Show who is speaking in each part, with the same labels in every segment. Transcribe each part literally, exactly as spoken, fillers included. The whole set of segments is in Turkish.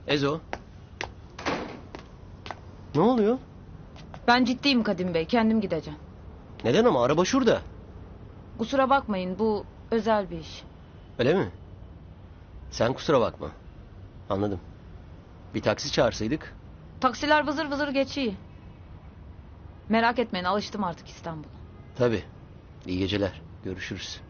Speaker 1: Ezo. Ne oluyor?
Speaker 2: Ben ciddiyim Kadim Bey, kendim gideceğim.
Speaker 1: Neden ama araba şurada.
Speaker 2: Kusura bakmayın, bu özel bir iş.
Speaker 1: Öyle mi? Sen kusura bakma. Anladım. Bir taksi çağırsaydık.
Speaker 2: Taksiler vızır vızır geçiyor. Merak etmeyin, alıştım artık İstanbul'a.
Speaker 1: Tabii. İyi geceler. Görüşürüz.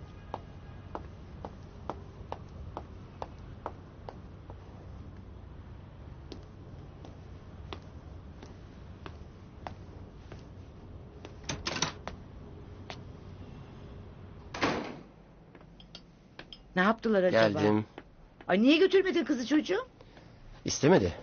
Speaker 3: Ne yaptılar acaba?
Speaker 1: Geldim.
Speaker 3: Ay niye götürmedin kızı çocuğum?
Speaker 1: İstemedi.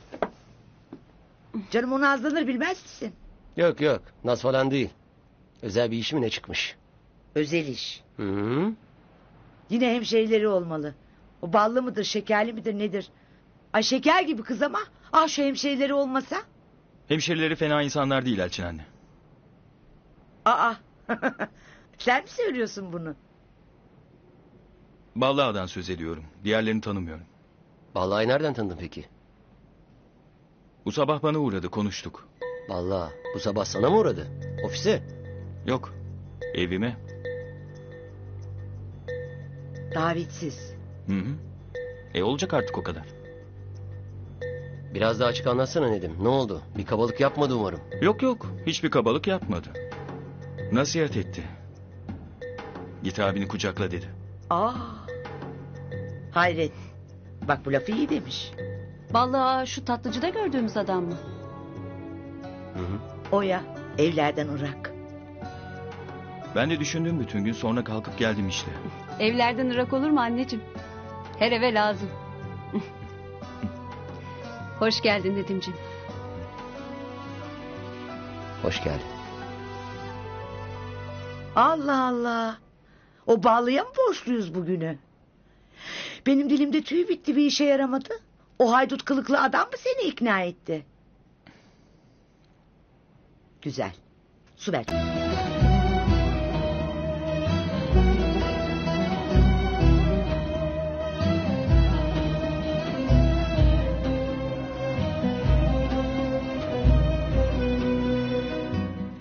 Speaker 3: Canım onu azlanır bilmez misin?
Speaker 1: Yok yok. Naz falan değil. Özel bir iş mi ne çıkmış?
Speaker 3: Özel iş.
Speaker 1: Hı -hı.
Speaker 3: Yine hemşehrileri olmalı. O ballı mıdır şekerli midir nedir? Ay şeker gibi kız ama ah şu hemşehrileri olmasa.
Speaker 4: Hemşerileri fena insanlar değil Elçin anne.
Speaker 3: Aa sen mi söylüyorsun bunu?
Speaker 4: Ballıağa'dan söz ediyorum. Diğerlerini tanımıyorum.
Speaker 1: Vallahi nereden tanıdın peki?
Speaker 4: Bu sabah bana uğradı, konuştuk.
Speaker 1: Vallahi bu sabah sana mı uğradı? Ofise?
Speaker 4: Yok, evime.
Speaker 3: Davetsiz.
Speaker 4: Hı hı. E olacak artık o kadar.
Speaker 1: Biraz daha açık anlatsana Nedim. Ne oldu? Bir kabalık yapmadı umarım.
Speaker 4: Yok yok, hiçbir kabalık yapmadı. Nasihat etti. Git abini kucakla dedi.
Speaker 3: Aa. Hayret. Bak bu lafı iyi demiş.
Speaker 5: Vallahi şu tatlıcıda gördüğümüz adam mı?
Speaker 1: Hı hı.
Speaker 3: O ya evlerden Irak.
Speaker 4: Ben de düşündüm bütün gün, sonra kalkıp geldim işte.
Speaker 5: Evlerden ırak olur mu anneciğim? Her eve lazım. Hoş geldin Nedimciğim.
Speaker 1: Hoş geldin.
Speaker 3: Allah Allah. O bağlıya mı borçluyuz bugünü? Benim dilimde tüy bitti, bir işe yaramadı. O haydut kılıklı adam mı seni ikna etti? Güzel. Su ver.